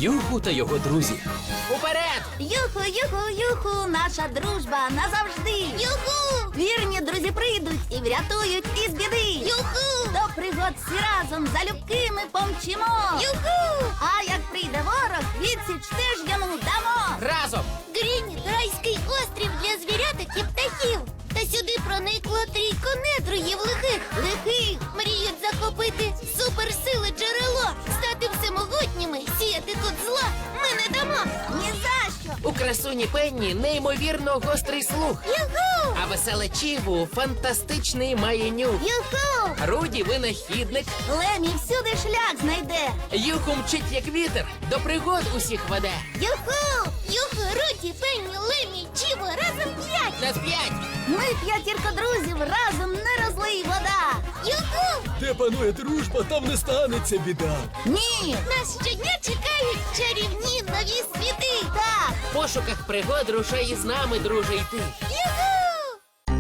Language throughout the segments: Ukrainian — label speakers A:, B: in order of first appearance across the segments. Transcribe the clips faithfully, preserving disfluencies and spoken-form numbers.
A: Юху та його друзі. Уперед!
B: Юху, юху, юху, наша дружба назавжди. Юху! Вірні друзі прийдуть і врятують із біди. Юху! До пригод всі разом залюбки ми помчимо. Юху! А як прийде ворог, відсіч теж йому дамо.
A: Разом!
B: Грінь – райський острів для звіряток і птахів. Та сюди проникло трійко недругів лихих. Лихих мріють захопити суперсили джерело, стати всемогутніми, сіяти тут зла ми не дамо. Ні за що.
A: У красуні Пенні неймовірно гострий слух.
B: Юху!
A: А веселе Чіву фантастичний має нюх.
B: Юху!
A: Руді винахідник.
B: Лемі всюди шлях знайде.
A: Юху мчить як вітер, до пригод усіх веде.
B: Юху! Юху, Руді, Пенні, Лемі, Чіво, разом п'ять.
A: На п'ять!
B: Ми п'ятірка друзів, разом не розлий вода. Юху!
C: Де панує дружба, там не станеться біда.
B: Ні! Нас щодня чекають чарівні нові світи. Так!
A: В пошуках пригод рушай із нами, друже, йти.
B: Юху!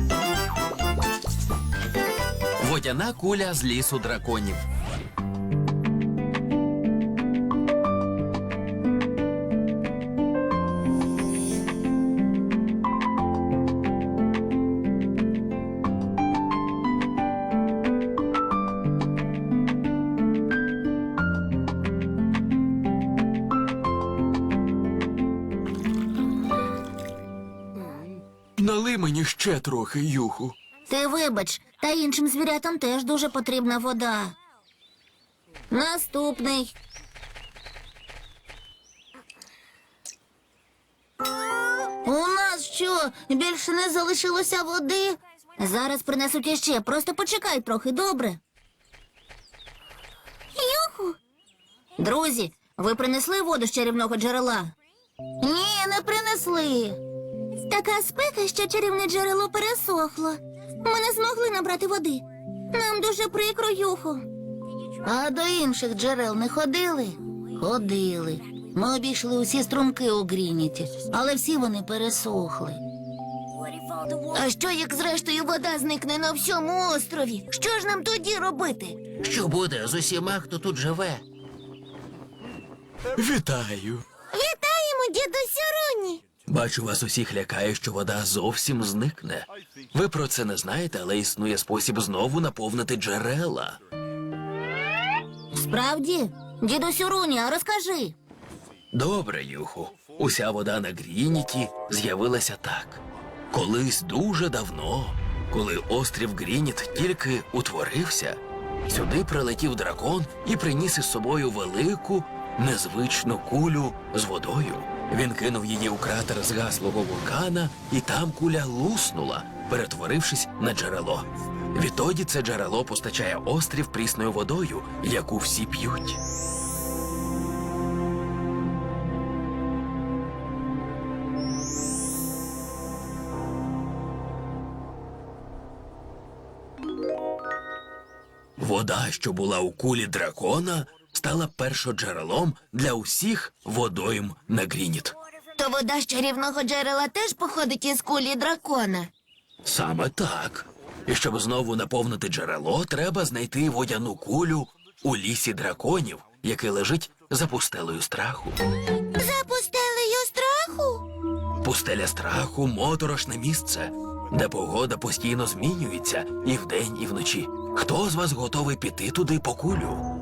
D: Водяна куля з лісу драконів.
C: Налий мені ще трохи, Юху.
B: Ти вибач, та іншим звірятам теж дуже потрібна вода. Наступний. У нас що, більше не залишилося води? Зараз принесуть іще, просто почекай трохи, добре? Юху! Друзі, ви принесли воду з чарівного джерела? Ні, не принесли. Така спека, що чарівне джерело пересохло. Ми не змогли набрати води. Нам дуже прикро, Юху. А до інших джерел не ходили? Ходили. Ми обійшли усі струмки у Грініті, але всі вони пересохли. А що, як зрештою вода зникне на всьому острові? Що ж нам тоді робити?
A: Що буде з усіма, хто тут живе?
C: Вітаю.
B: Вітаємо, дідусю Руні!
D: Бачу, вас усіх лякає, що вода зовсім зникне. Ви про це не знаєте, але існує спосіб знову наповнити джерела.
B: Справді? Дідусю Руні, а розкажи.
D: Добре, Юху. Уся вода на Грініті з'явилася так. Колись дуже давно, коли острів Грініт тільки утворився, сюди прилетів дракон і приніс із собою велику, незвичну кулю з водою. Він кинув її у кратер згаслого вулкана, і там куля луснула, перетворившись на джерело. Відтоді це джерело постачає острів прісною водою, яку всі п'ють. Вода, що була у кулі дракона, стала першоджерелом для усіх водойм на Грініт.
B: То вода з чарівного джерела теж походить із кулі дракона.
D: Саме так. І щоб знову наповнити джерело, треба знайти водяну кулю у лісі драконів, який лежить за пустелею страху.
B: За пустелею страху?
D: Пустеля страху – моторошне місце, де погода постійно змінюється і вдень, і вночі. Хто з вас готовий піти туди по кулю?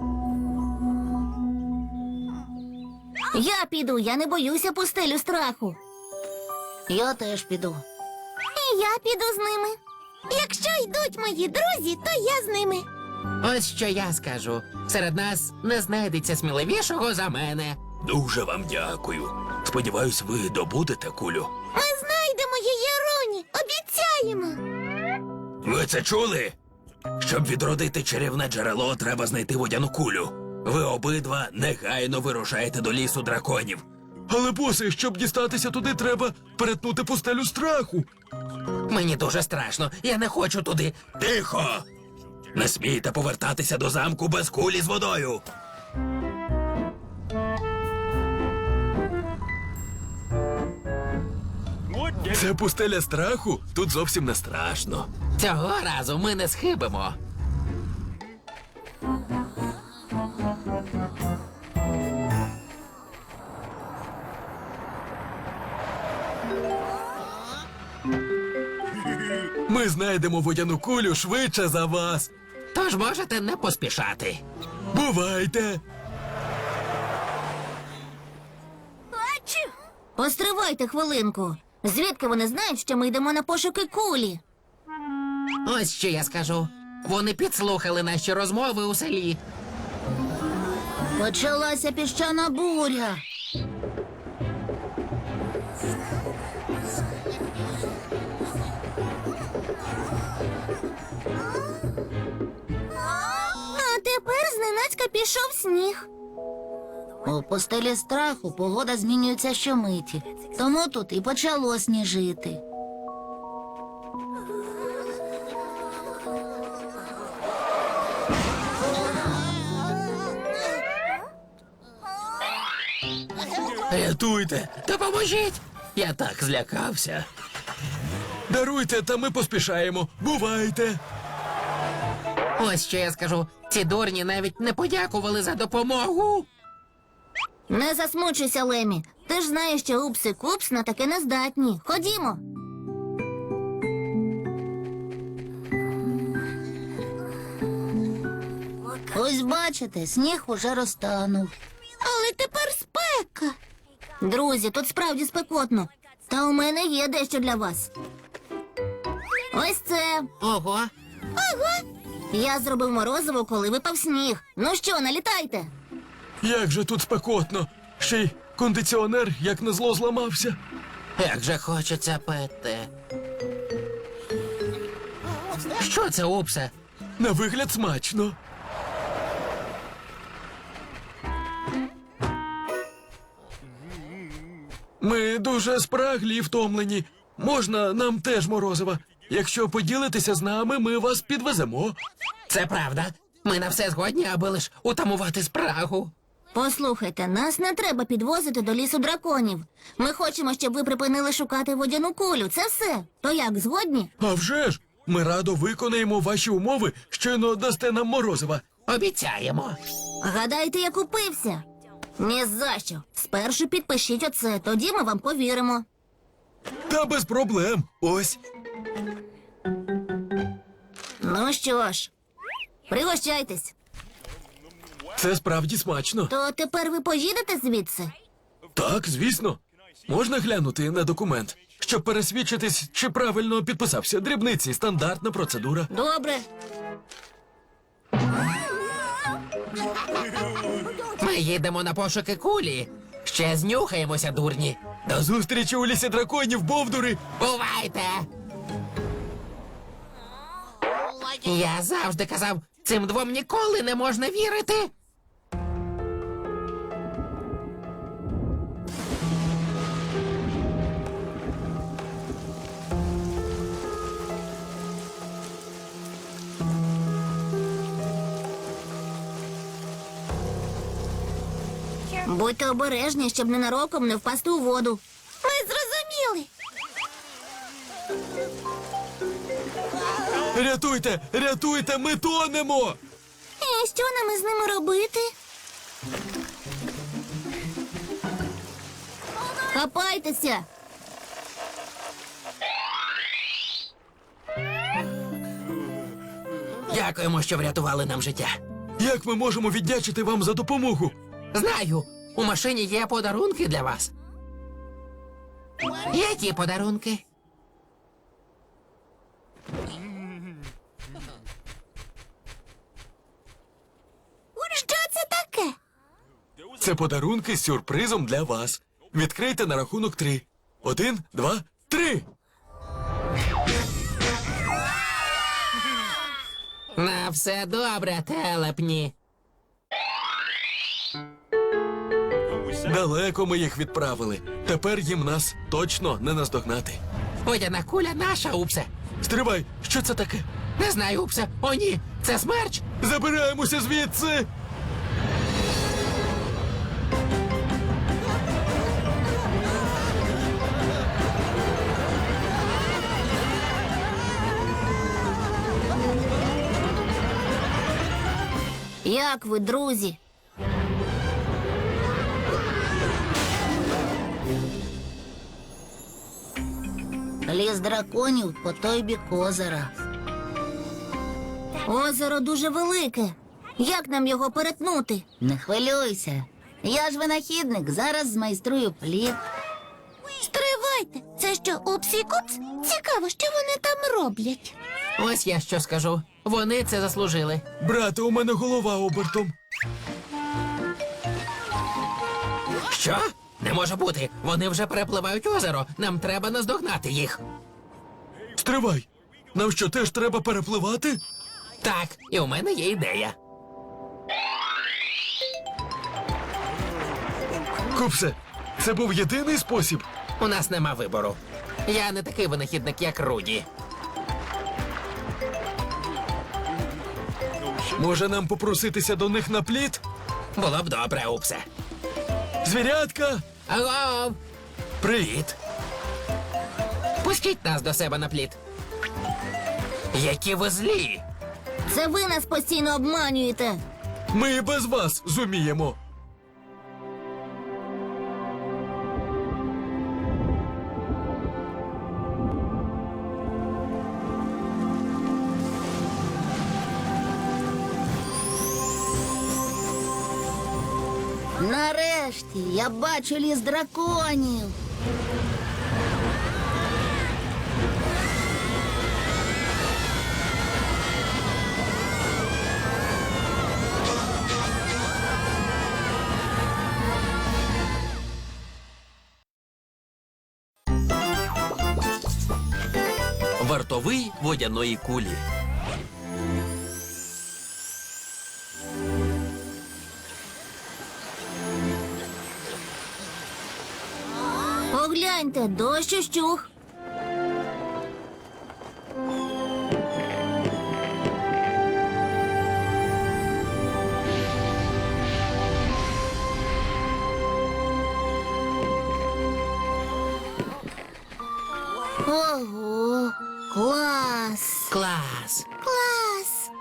B: Я піду, я не боюся пустелю страху. Я теж піду. І я піду з ними. Якщо йдуть мої друзі, то я з ними.
A: Ось що я скажу. Серед нас не знайдеться сміливішого за мене.
D: Дуже вам дякую. Сподіваюсь, ви добудете кулю.
B: Ми знайдемо її, Руні, обіцяємо.
D: Ви це чули? Щоб відродити чарівне джерело, треба знайти водяну кулю. Ви обидва негайно вирушаєте до лісу драконів.
C: Але, босе, щоб дістатися туди, треба перетнути пустелю страху.
A: Мені дуже страшно, я не хочу туди.
D: Тихо! Не смійте повертатися до замку без кулі з водою.
C: Це пустеля страху? Тут зовсім не страшно.
A: Цього разу ми не схибимо.
C: Ми знайдемо водяну кулю швидше за вас.
A: Тож можете не поспішати.
C: Бувайте!
B: Постривайте хвилинку. Звідки вони знають, що ми йдемо на пошуки кулі?
A: Ось що я скажу. Вони підслухали наші розмови у селі.
B: Почалася піщана буря. А тепер зненацька пішов сніг. У постелі страху погода змінюється щомиті, тому тут і почало сніжити.
D: Рятуйте!
A: Допоможіть!
D: Я так злякався.
C: Даруйте, та ми поспішаємо. Бувайте!
A: Ось що я скажу. Ці дурні навіть не подякували за допомогу.
B: Не засмучуйся, Лемі. Ти ж знаєш, що Упс і Купс на таке не здатні. Ходімо. Ось бачите, сніг уже розтанув. Але тепер спека. Друзі, тут справді спекотно. Та у мене є дещо для вас. Ось це.
A: Ого.
B: Я зробив морозиво, коли випав сніг. Ну що, налітайте.
C: Як же тут спекотно. Ще й кондиціонер, як назло, зламався.
A: Як же хочеться пити. Що це, Упсе?
C: На вигляд смачно. Ми дуже спраглі і втомлені. Можна нам теж морозива. Якщо поділитеся з нами, ми вас підвеземо.
A: Це правда. Ми на все згодні, аби лиш утамувати спрагу.
B: Послухайте, нас не треба підвозити до лісу драконів. Ми хочемо, щоб ви припинили шукати водяну кулю. Це все. То як, згодні?
C: А вже ж! Ми радо виконаємо ваші умови, щойно дасте нам морозива.
A: Обіцяємо.
B: Гадаєте, я купився? Ні за що. Спершу підпишіть оце, тоді ми вам повіримо.
C: Та без проблем. Ось.
B: Ну що ж, пригощайтесь.
C: Це справді смачно.
B: То тепер ви поїдете звідси?
C: Так, звісно. Можна глянути на документ, щоб пересвідчитись, чи правильно підписався. Дрібниці, стандартна процедура.
B: Добре.
A: Ми їдемо на пошуки кулі. Ще знюхаємося, дурні.
C: До зустрічі у лісі драконів, бовдури!
A: Бувайте! Я завжди казав, цим двом ніколи не можна вірити.
B: Будьте обережні, щоб ненароком не впасти у воду. Ми зрозуміли.
C: Рятуйте! Рятуйте! Ми тонемо!
B: І що нам із ними робити? Хапайтеся.
A: Дякуємо, що врятували нам життя.
C: Як ми можемо віддячити вам за допомогу?
A: Знаю, у машині є подарунки для вас. Які подарунки?
B: Що це таке?
C: Це подарунки з сюрпризом для вас. Відкрийте на рахунок три. Один, два, три!
A: На все добре, телепні.
C: Далеко ми їх відправили. Тепер їм нас точно не наздогнати.
A: Водяна куля наша, Упсе.
C: Стривай, що це таке?
A: Не знаю, Упсе. О, ні, це смерч.
C: Забираємося звідси!
B: Як ви, друзі? Ліс драконів по той бік озера. Озеро дуже велике. Як нам його перетнути? Не хвилюйся. Я ж винахідник, зараз змайструю плід. Стривайте, це що, упсі-купс? Цікаво, що вони там роблять.
A: Ось я що скажу. Вони це заслужили.
C: Брате, у мене голова обертом.
A: Що? Не може бути. Вони вже перепливають озеро. Нам треба наздогнати їх.
C: Стривай. Нам що, теж треба перепливати?
A: Так, і у мене є ідея.
C: Купсе, це був єдиний спосіб.
A: У нас нема вибору. Я не такий винахідник, як Руді.
C: Може нам попроситися до них на плід?
A: Було б добре, Упсе.
C: Звірятка!
A: Алло!
C: Привіт!
A: Пустіть нас до себе на плід. Які ви злі!
B: Це ви нас постійно обманюєте.
C: Ми і без вас зуміємо.
B: Нарешті я бачу ліс драконів.
D: Вартовий водяної кулі.
B: Погляньте, дощ ущух. Ого, клас!
A: Клас!
B: Клас!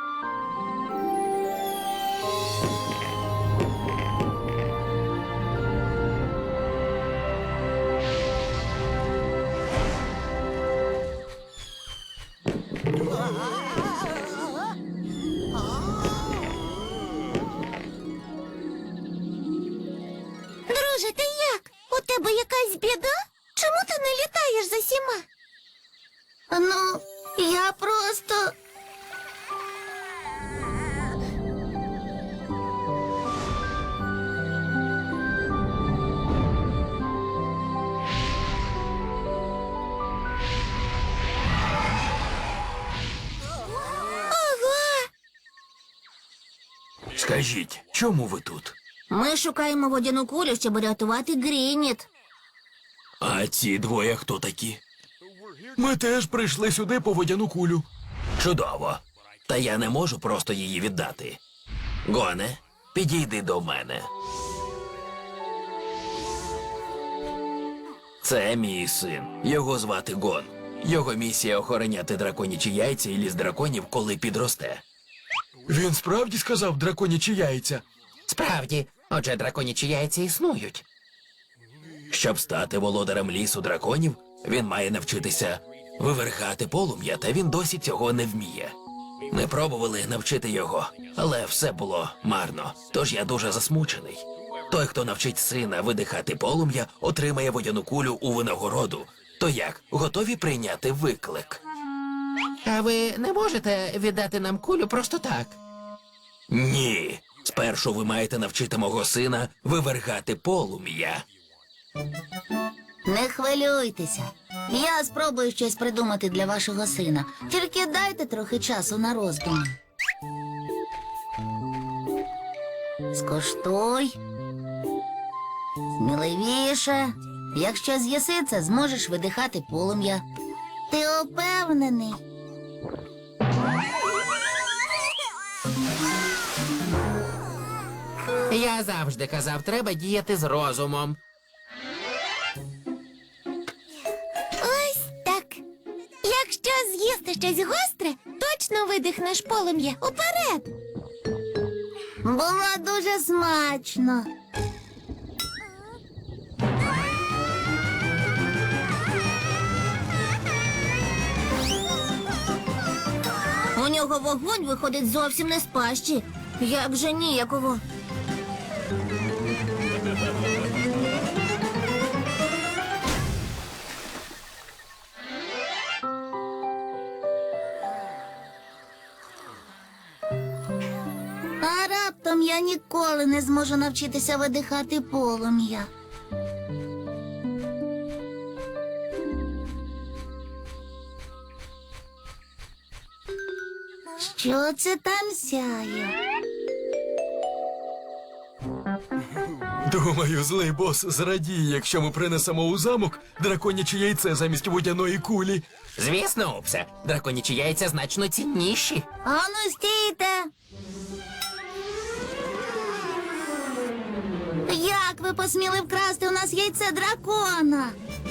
B: Друже, ти як? У тебе якась біда? Чому ти не літаєш за сіма? Ну, я просто. Ого!
D: Скажіть, чому ви тут?
B: Ми шукаємо водяну кулю, щоб рятувати Грініт.
D: А ці двоє хто такі?
C: Ми теж прийшли сюди по водяну кулю.
D: Чудово. Та я не можу просто її віддати. Гоне, підійди до мене. Це мій син. Його звати Гон. Його місія охороняти драконячі яйця і ліс драконів, коли підросте.
C: Він справді сказав драконячі яйця.
A: Справді, отже, драконячі яйця існують.
D: Щоб стати володарем лісу драконів, він має навчитися вивергати полум'я, та він досі цього не вміє. Ми пробували навчити його, але все було марно, тож я дуже засмучений. Той, хто навчить сина видихати полум'я, отримає водяну кулю у винагороду. То як, готові прийняти виклик?
A: А ви не можете віддати нам кулю просто так?
D: Ні. Спершу ви маєте навчити мого сина вивергати полум'я.
B: Не хвилюйтеся. Я спробую щось придумати для вашого сина. Тільки дайте трохи часу на роздуми. Скоштуй. Сміливіше. Якщо з'їси це, зможеш видихати полум'я. Ти упевнений?
A: Я завжди казав, треба діяти з розумом.
B: Ось так. Якщо з'їсти щось гостре, точно видихнеш полум'я. Уперед. Було дуже смачно. нього вогонь виходить зовсім не з пащі. Як же ніяково. А раптом я ніколи не зможу навчитися видихати полум'я. Що це там сяє?
C: Думаю, злий бос зрадіє, якщо ми принесемо у замок драконяче яйце замість водяної кулі.
A: Звісно, Упсе, драконячі яйця значно цінніші.
B: Ану, стійте! Як ви посміли вкрасти у нас яйце дракона?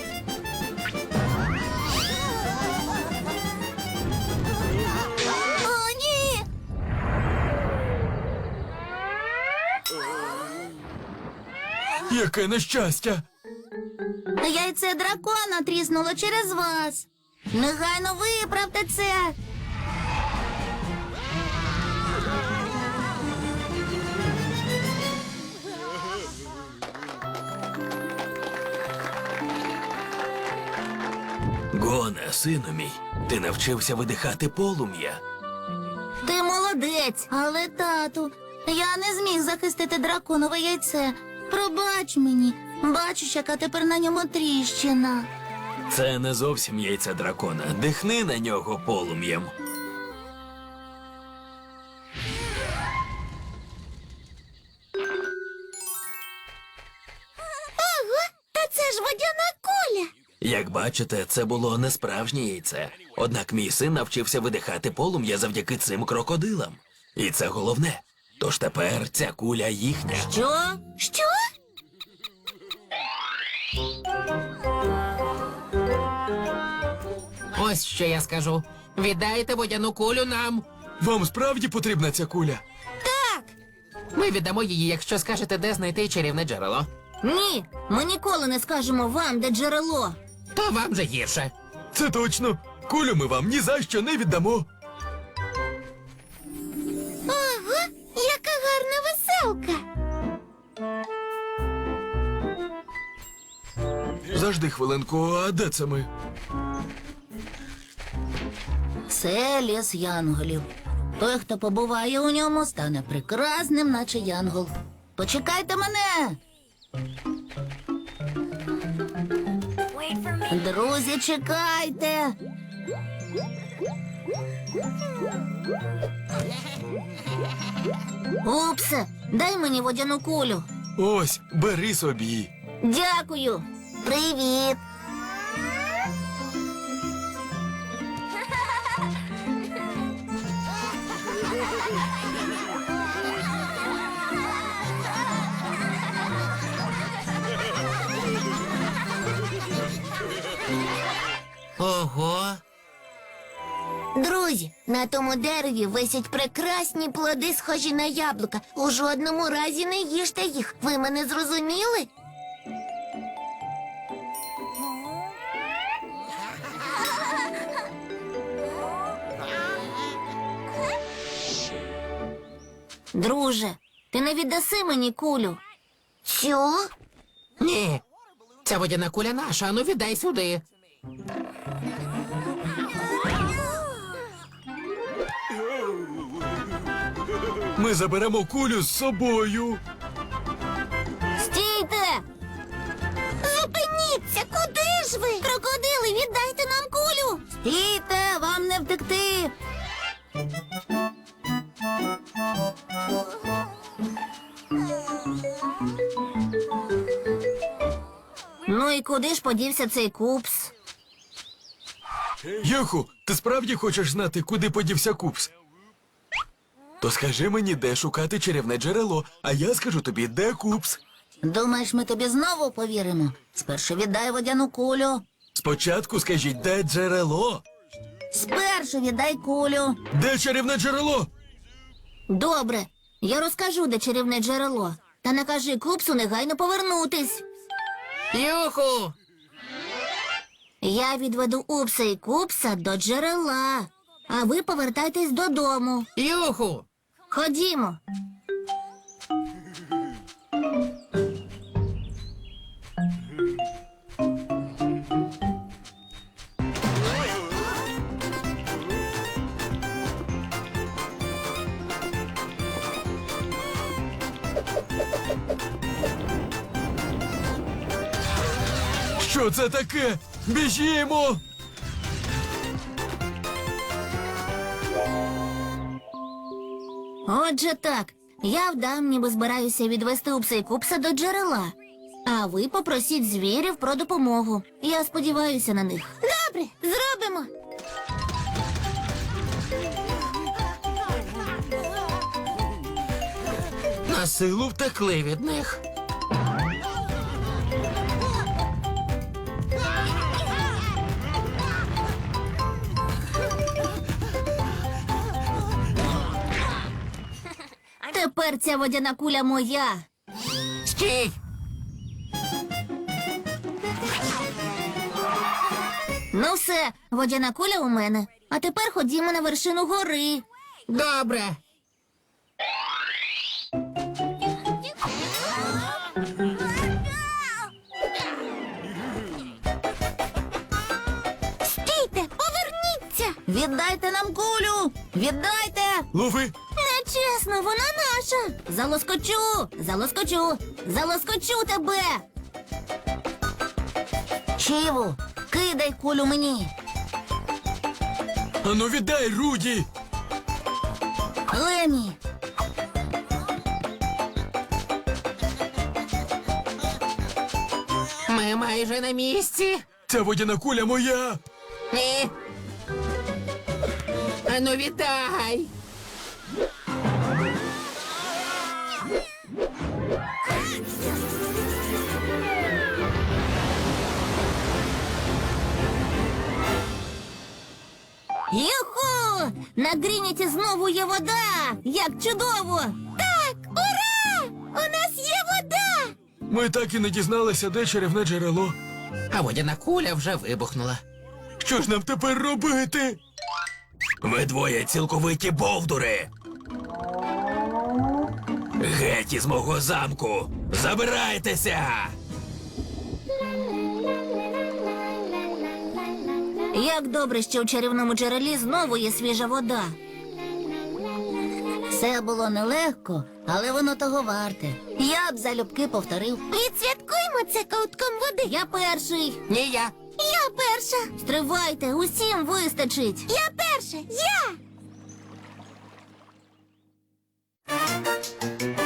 B: О, ні!
C: Яке нещастя!
B: Яйце дракона тріснуло через вас. Негайно виправте це.
D: Гоне, сину мій, ти навчився видихати полум'я.
B: Ти молодець, але, тату, я не зміг захистити драконове яйце. Пробач мені, бачиш, яка тепер на ньому тріщина.
D: Це не зовсім яйце дракона. Дихни на нього полум'ям.
B: Ого, та це ж водяна куля.
D: Як бачите, це було не справжнє яйце. Однак мій син навчився видихати полум'я завдяки цим крокодилам. І це головне. Тож тепер ця куля їхня.
B: Що? Що?
A: Ось що я скажу. Віддайте водяну кулю нам.
C: Вам справді потрібна ця куля?
A: Ми віддамо її, якщо скажете, де знайти чарівне джерело.
B: Ні, ми ніколи не скажемо вам, де джерело.
A: То вам же гірше.
C: Це точно. Кулю ми вам ні за що не віддамо.
B: Ого, яка гарна веселка.
C: Завжди хвилинку, а де це ми?
B: Це ліс янголів. Той, хто побуває у ньому, стане прекрасним, наче янгол. Почекайте мене. Друзі, чекайте. Упсе, дай мені водяну кулю.
C: Ось, бери собі.
B: Дякую. Привіт.
A: Ого.
B: Друзі, на тому дереві висять прекрасні плоди, схожі на яблука. У жодному разі не їжте їх. Ви мене зрозуміли? Друже, ти не віддаси мені кулю. Що?
A: Ні. Ця водяна куля наша, ану віддай сюди.
C: Ми заберемо кулю з собою.
B: Стійте! Зупиніться! Куди ж ви? Крокодили, віддайте нам кулю! Стійте, вам не втекти! Ну і куди ж подівся цей купс?
C: Юху, ти справді хочеш знати, куди подівся купс? То скажи мені, де шукати чарівне джерело, а я скажу тобі, де купс.
B: Думаєш, ми тобі знову повіримо? Спершу віддай водяну кулю.
C: Спочатку скажіть, де джерело?
B: Спершу віддай кулю.
C: Де чарівне джерело?
B: Добре, я розкажу, де чарівне джерело. Та не кажи купсу негайно повернутись.
A: Юху!
B: Я відведу Упса і Купса до джерела. а ви повертайтесь додому.
A: Юху!
B: Ходімо.
C: Що це таке? Біжімо!
B: Отже так, я вдам, ніби збираюся відвести Упса і Купса до джерела. А ви попросіть звірів про допомогу. Я сподіваюся на них. Добре, зробимо.
A: На силу втекли від них.
B: Тепер ця водяна куля моя.
A: Стій!
B: Ну все, водяна куля у мене. А тепер ходімо на вершину гори.
A: Добре.
B: Стійте, поверніться! Віддайте нам кулю! Віддайте!
C: Лови!
B: Нечесно, вона наша! Залоскочу! Залоскочу! Залоскочу тебе! Чіву, кидай кулю мені!
C: Ану віддай, Руді!
B: Лемі!
A: Ми майже на місці.
C: Ця водяна куля моя!
A: Ні. Ану, віддай.
B: Юху! На Грініті знову є вода! Як чудово! Так, ура! У нас є вода!
C: Ми так і не дізналися, де чарівне джерело.
A: А водяна куля вже вибухнула.
C: Що ж нам тепер робити?
D: Ви двоє цілковиті бовдури. Геть із мого замку. Забирайтеся!
B: Як добре, що у чарівному джерелі знову є свіжа вода. Це було нелегко, але воно того варте. Я б залюбки повторив. Відсвяткуємо це ковтком води. Я перший.
A: Ні, я.
B: Я перша. Стривайте, усім вистачить. Я перша. Я.